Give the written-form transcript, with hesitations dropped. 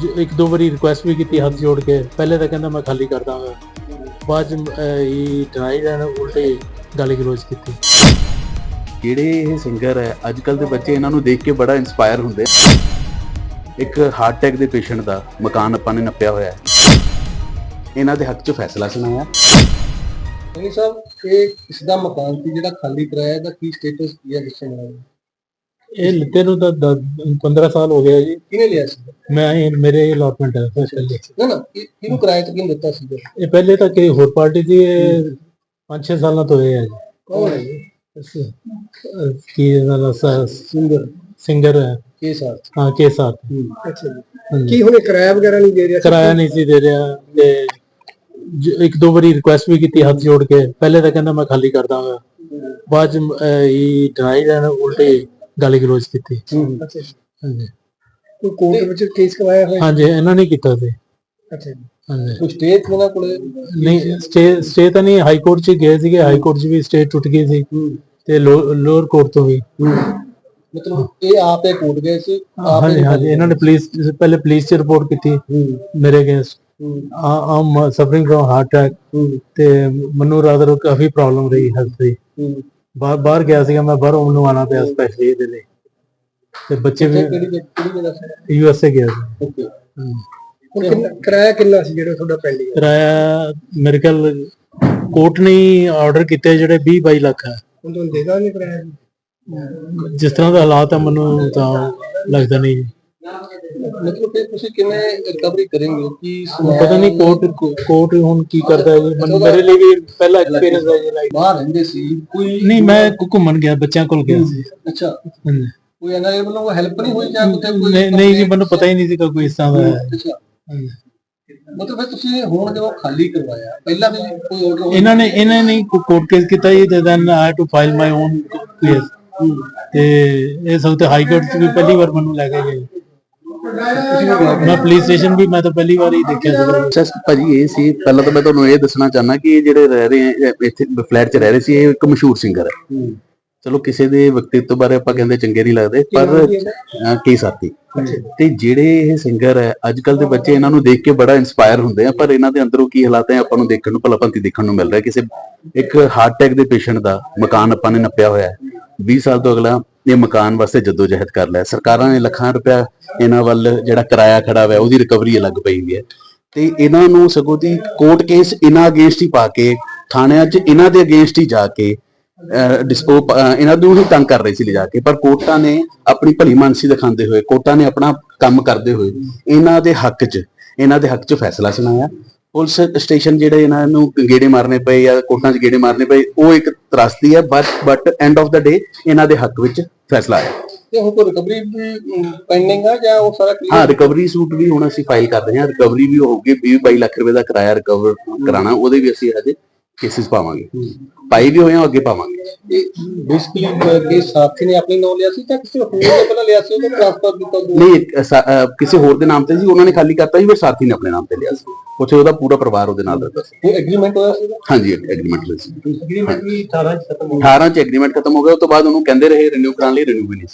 ਇੱਕ ਦੋ ਵਾਰੀ ਰਿਕੁਐਸਟ ਵੀ ਕੀਤੀ ਹੱਥ ਜੋੜ ਕੇ। ਪਹਿਲੇ ਤਾਂ ਕਹਿੰਦਾ ਮੈਂ ਖਾਲੀ ਕਰ ਦਾਂਗਾ, ਬਾਅਦ ਚ ਇਹ ਡਿਨਾਈਡ ਐਂਡ ਉਲਟੇ ਗਾਲੀ ਗਲੋਚ ਕੀਤੀ। ਜਿਹੜੇ ਇਹ ਸਿੰਗਰ ਹੈ ਅੱਜ ਕੱਲ ਦੇ ਬੱਚੇ ਇਹਨਾਂ ਨੂੰ ਦੇਖ ਕੇ ਬੜਾ ਇਨਸਪਾਇਰ ਹੁੰਦੇ। ਇੱਕ ਹਾਰਟ ਅਟੈਕ ਦੇ ਪੇਸ਼ੈਂਟ ਦਾ ਮਕਾਨ ਆਪਾਂ ਨੇ ਨੱਪਿਆ ਹੋਇਆ ਹੈ, ਇਹਨਾਂ ਦੇ ਹੱਕ 'ਚ ਫੈਸਲਾ ਸੁਣਾਇਆ। ਨਹੀਂ ਸਾਹਿਬ, ਇਹ ਕਿਸ ਦਾ ਮਕਾਨ ਸੀ ਜਿਹੜਾ ਖਾਲੀ ਕਰਾਇਆ, ਦਾ ਕੀ ਸਟੇਟਸ ਕੀ ਹੈ ਦੱਸੋ ਮੈਨੂੰ। ਇਹ ਲਿੱਤੇ ਨੂੰ ਤਾਂ 15 ਸਾਲ ਹੋ ਗਏ ਜੀ। ਕਿਹਨੇ ਲਿਆ ਸੀ? ਮੈਂ ਮੇਰੇ ਅਲਾਟਮੈਂਟ ਹੈ ਪਹਿਲੇ। ਨਾ ਕਿਹਨੂੰ ਕਿਰਾਏ ਤੇ ਕਿਹਨੂੰ ਦਿੱਤਾ ਸੀ? ਇਹ ਪਹਿਲੇ ਤਾਂ ਕਿ ਹੋਰ ਪਾਰਟੀ ਦੀ 5-6 ਸਾਲਾਂ ਤੋਂ ਇਹ ਹੈ ਜੀ। ਕੌਣ ਹੈ ਜੀ? ਕੀ ਸਿੰਗਰ ਹੈ ਕੇ ਸਾਥ? ਹਾਂ, ਕੇ ਸਾਥ। ਅੱਛਾ ਜੀ। ਕੀ ਹੁਣ ਕਿਰਾਇਆ ਵਗੈਰਾ ਨਹੀਂ ਦੇ ਰਿਹਾ? ਕਿਰਾਇਆ ਨਹੀਂ ਸੀ ਦੇ ਰਿਹਾ ਤੇ ਇੱਕ ਦੋ ਵਾਰੀ ਰਿਕੁਐਸਟ ਵੀ ਕੀਤੀ ਹੱਥ ਜੋੜ ਕੇ। ਪਹਿਲੇ ਤਾਂ ਕਹਿੰਦਾ ਮੈਂ ਖਾਲੀ ਕਰ ਦਾਂਗਾ, ਬਾਅਦ ਚ ਇਹ ਡਿਨਾਈਡ ਐਂਡ ਉਲਟੇ ਗਾਲੀ ਗਲੋਚ ਕੀਤੀ। ਅੱਛਾ ਜੀ। ਹਾਂਜੀ, ਕੋਈ ਕੋਰਟ ਵਿੱਚ ਕੇਸ ਕਰਵਾਇਆ ਹੋਇਆ? ਹਾਂਜੀ, ਇਹਨਾਂ ਨੇ ਕੀਤਾ ਸੀ। ਅੱਛਾ ਜੀ। ਹਾਂਜੀ, ਕੋਈ ਸਟੇ ਇਹਨਾਂ ਕੋਲੇ? ਨਹੀਂ ਸਟੇ ਤਾਂ ਨਹੀਂ, ਹਾਈ ਕੋਰਟ ਚ ਗਏ ਸੀਗੇ, ਹਾਈ ਕੋਰਟ ਚ ਵੀ ਸਟੇ ਟੁੱਟ ਗਈ ਸੀ ਤੇ ਲੋਅਰ ਕੋਰਟ ਤੋਂ ਵੀ। ਮਤਲਬ ਇਹ ਆਪੇ ਕੋਰਟ ਗਏ ਸੀ? ਹਾਂਜੀ ਹਾਂਜੀ, ਇਹਨਾਂ ਨੇ ਪਹਿਲੇ ਪੁਲਿਸ ਚ ਰਿਪੋਰਟ ਕੀਤੀ ਮੇਰੇ against. I'm suffering from heart attack ਤੇ ਮੈਨੂੰ ਰਾਦਰ ਕਾਫੀ ਪ੍ਰੋਬਲਮ ਰਹੀ ਹੈਲਥ ਦੀ। ਬਾਹਰ ਗਿਆ ਸੀਗਾ ਮੈਂ, ਬਾਹਰੋਂ ਮੈਨੂੰ ਆਉਣਾ ਪਿਆ ਸਪੈਸ਼ਲੀ ਇਹਦੇ ਲਈ। ਤੇ ਬੱਚੇ ਵੀ USA ਗਿਆ ਸੀ। ਓਕੇ। ਕਿਰਾਇਆ ਕਿੰਨਾ ਸੀ ਜਿਹੜਾ ਤੁਹਾਡਾ ਪੈਂਡਿੰਗ? ਕਿਰਾਇਆ ਮੇਰੇ ਖਿਆਲ ਕੋਰਟ ਨੇ ਆਰਡਰ ਕੀਤੇ ਜਿਹੜੇ 20-22 ਲੱਖ ਹੈ। ਹੁਣ ਤੁਹਾਨੂੰ ਦੇਦਾ ਨਹੀਂ ਕਿਰਾਇਆ? ਜਿਸ ਤਰ੍ਹਾਂ ਦਾ ਹਾਲਾਤ ਹੈ ਮੈਨੂੰ ਤਾਂ ਲੱਗਦਾ ਨਹੀਂ। ਮਤਲਬ ਕਿ ਤੁਸੀਂ ਕਿਵੇਂ ਰਿਕਵਰੀ ਕਰੋਗੇ? ਕੀ ਪਤਾ ਨਹੀਂ ਕੋਰਟ ਹੁਣ ਕੀ ਕਰਦਾ ਹੈ ਜੀ। ਮੇਰੇ ਲਈ ਵੀ ਪਹਿਲਾ ਐਕਸਪੀਰੀਅੰਸ ਹੈ ਜੀ। ਬਾਹਰ ਰਹਿੰਦੇ ਸੀ ਕੋਈ? ਨਹੀਂ, ਮੈਂ ਘੁੰਮਣ ਗਿਆ, ਬੱਚਿਆਂ ਕੋਲ ਗਿਆ ਸੀ। ਅੱਛਾ। ਕੋਈ ਇਹਨਾਂ ਵੱਲੋਂ ਹੈਲਪ ਨਹੀਂ ਹੋਈ ਜਾਂ ਕਿਤੇ ਕੋਈ? ਨਹੀਂ ਜੀ, ਮੈਨੂੰ ਪਤਾ ਹੀ ਨਹੀਂ ਸੀਗਾ ਕੋਈ ਇਸ ਤਰ੍ਹਾਂ ਦਾ ਹੈ। ਅੱਛਾ। ਮਤਲਬ ਫਿਰ ਤੁਸੀਂ ਹੁਣ ਜਦੋਂ ਖਾਲੀ ਕਰਵਾਇਆ, ਪਹਿਲਾਂ ਵੀ ਕੋਈ ਆਰਡਰ? ਇਹਨਾਂ ਨੇ ਕੋਰਟ ਕੇਸ ਕੀਤਾ ਜੀ, ਤੇ then I had to file my own case. ਤੇ ਇਹ ਸਭ ਤੇ ਹਾਈ ਕੋਰਟ ਚ ਵੀ ਪਹਿਲੀ ਵਾਰ ਮੈਨੂੰ ਲੈ ਕੇ ਗਏ। ਮੈਂ ਪੁਲਿਸ ਸਟੇਸ਼ਨ ਵੀ ਮੈਂ ਤਾਂ ਪਹਿਲੀ ਵਾਰ ਹੀ ਦੇਖਿਆ ਸੀ। ਭਾਜੀ ਇਹ ਸੀ, ਪਹਿਲਾਂ ਤਾਂ ਮੈਂ ਤੁਹਾਨੂੰ ਇਹ ਦੱਸਣਾ ਚਾਹੁੰਦਾ ਕਿ ਇਹ ਜਿਹੜੇ ਰਹਿ ਰਹੇ ਇੱਥੇ ਫਲੈਟ 'ਚ ਰਹਿ ਰਹੇ ਸੀ, ਇਹ ਇੱਕ ਮਸ਼ਹੂਰ ਸਿੰਗਰ ਹੈ। ਚਲੋ ਕਿਸੇ ਦੇ ਵਿਅਕਤੀਤਵ ਬਾਰੇ ਆਪਾਂ ਕਹਿੰਦੇ ਚੰਗੇ ਨਹੀਂ ਲੱਗਦੇ, ਪਰ ਕੀ ਸਾਥੀ ਤੇ ਜਿਹੜੇ ਇਹ ਸਿੰਗਰ ਹੈ ਅੱਜ ਕੱਲ ਦੇ ਬੱਚੇ ਇਹਨਾਂ ਨੂੰ ਦੇਖ ਕੇ ਬੜਾ ਇਨਸਪਾਇਰ ਹੁੰਦੇ ਆ, ਪਰ ਇਹਨਾਂ ਦੇ ਅੰਦਰੋਂ ਕੀ ਹਾਲਾਤ ਹੈ ਆਪਾਂ ਨੂੰ ਦੇਖਣ ਨੂੰ ਭਲਾਭੰਤੀ ਦੇਖਣ ਨੂੰ ਮਿਲ ਰਿਹਾ। ਕਿਸੇ ਇੱਕ ਹਾਰਟ ਅਟੈਕ ਦੇ ਪੇਸ਼ੈਂਟ ਦਾ ਮਕਾਨ ਆਪਾਂ ਨੇ ਨੱਪਿਆ ਹੋਇਆ ਹੈ। 20 ਸਾਲ ਤੋਂ ਅਗਲਾ ਇਹ ਮਕਾਨ ਵਾਸਤੇ ਜਦੋਜਹਿਦ ਕਰ ਲਿਆ। ਸਰਕਾਰਾਂ ਨੇ ਲੱਖਾਂ ਰੁਪਇਆ ਇਹਨਾਂ ਵੱਲ ਜਿਹੜਾ ਕਿਰਾਇਆ ਖੜਾ ਹੋਇਆ ਉਹਦੀ ਰਿਕਵਰੀ ਅਲੱਗ ਪਈ ਹੋਈ ਹੈ, ਤੇ ਇਹਨਾਂ ਨੂੰ ਸਗੋਂ ਦੀ ਕੋਰਟ ਕੇਸ ਇਹਨਾਂ ਅਗੇਂਸਟ ਹੀ ਪਾ ਕੇ ਥਾਣਿਆਂ 'ਚ ਇਹਨਾਂ ਦੇ ਅਗੇਂਸਟ ਹੀ ਜਾ ਕੇ ਇਹਨਾਂ ਨੂੰ ਹੀ ਤੰਗ ਕਰ ਰਹੇ ਸੀ ਲਿਜਾ ਕੇ। ਪਰ ਕੋਰਟਾਂ ਨੇ ਆਪਣੀ ਭਲੀ ਮਾਨਸੀ ਦਿਖਾਉਂਦੇ ਹੋਏ, ਕੋਰਟਾਂ ਨੇ ਆਪਣਾ ਕੰਮ ਕਰਦੇ ਹੋਏ ਇਹਨਾਂ ਦੇ ਹੱਕ 'ਚ ਫੈਸਲਾ ਸੁਣਾਇਆ। ਪੁਲਿਸ ਸਟੇਸ਼ਨ ਜਿਹੜੇ ਇਹਨਾਂ ਨੂੰ ਗੇੜੇ ਮਾਰਨੇ ਪਏ ਜਾਂ ਕੋਰਟਾਂ 'ਚ ਗੇੜੇ ਮਾਰਨੇ ਪਏ, ਉਹ ਇੱਕ ਤਰਾਸਦੀ ਹੈ, but end of the day ਇਹਨਾਂ ਦੇ ਹੱਕ ਵਿੱਚ ਫੈਸਲਾ ਆਇਆ। ਤੇ ਹੁਣ ਕੋਈ ਰਿਕਵਰੀ ਵੀ ਪੈਂਡਿੰਗ ਆ ਜਾਂ ਉਹ ਸਾਰਾ ਕਲੀਅਰ? ਹਾਂ, ਰਿਕਵਰੀ ਸੂਟ ਵੀ ਹੁਣ ਅਸੀਂ ਫਾਈਲ ਕਰ ਰਹੇ ਹਾਂ। ਰਿਕਵਰੀ ਵੀ ਹੋਊਗੀ, 20-22 ਲੱਖ ਰੁਪਏ ਦਾ ਕਿਰਾਇਆ ਰਿਕਵਰ ਕਰਾਣਾ, ਉਹਦੇ ਵੀ ਅਸੀਂ ਹਜੇ ਕੇਸਿਸ ਪਾਵਾਂਗੇ, ਪਾਈ ਵੀ ਹੋਏ ਆ, ਅੱਗੇ ਪਾਵਾਂਗੇ। ਇਹ ਬੇਸਿਕਲੀ ਕੇ ਸਾਥੀ ਨੇ ਆਪਣੀ ਨਾਮ ਲਿਆ ਸੀ ਜਾਂ ਕਿਸੇ ਹੋਰ ਨੇ ਪਹਿਲਾਂ ਲਿਆ ਸੀ, ਉਹਨੂੰ ਟ੍ਰਾਂਸਫਰ ਕੀਤਾ? ਨਹੀਂ, ਕਿਸੇ ਹੋਰ ਦੇ ਨਾਮ ਤੇ ਸੀ, ਉਹਨਾਂ ਨੇ ਖਾਲੀ ਕਰਤਾ ਸੀ, ਫਿਰ ਸਾਥੀ ਨੇ ਆਪਣੇ ਨਾਮ ਤੇ ਲਿਆ ਸੀ। ਉੱਥੇ ਉਹਦਾ ਪੂਰਾ ਪਰਿਵਾਰ ਉਹਦੇ ਨਾਲ ਰਹਿੰਦਾ ਸੀ। ਕੋਈ ਐਗਰੀਮੈਂਟ ਹੋਇਆ ਸੀ? ਹਾਂਜੀ, ਐਗਰੀਮੈਂਟ ਹੋਇਆ ਸੀ। ਐਗਰੀਮੈਂਟ ਵੀ 18 ਚ ਖਤਮ ਹੋ ਗਿਆ। 18 ਚ ਐਗਰੀਮੈਂਟ ਖਤਮ ਹੋ ਗਿਆ। ਉਸ ਤੋਂ ਬਾਅਦ ਉਹਨੂੰ ਕਹਿੰਦੇ ਰਹੇ ਰਿਨਿਊ ਕਰਾਉਣ ਲਈ, ਰਿਨਿਊ ਵੀ ਨਹੀਂ ਸੀ।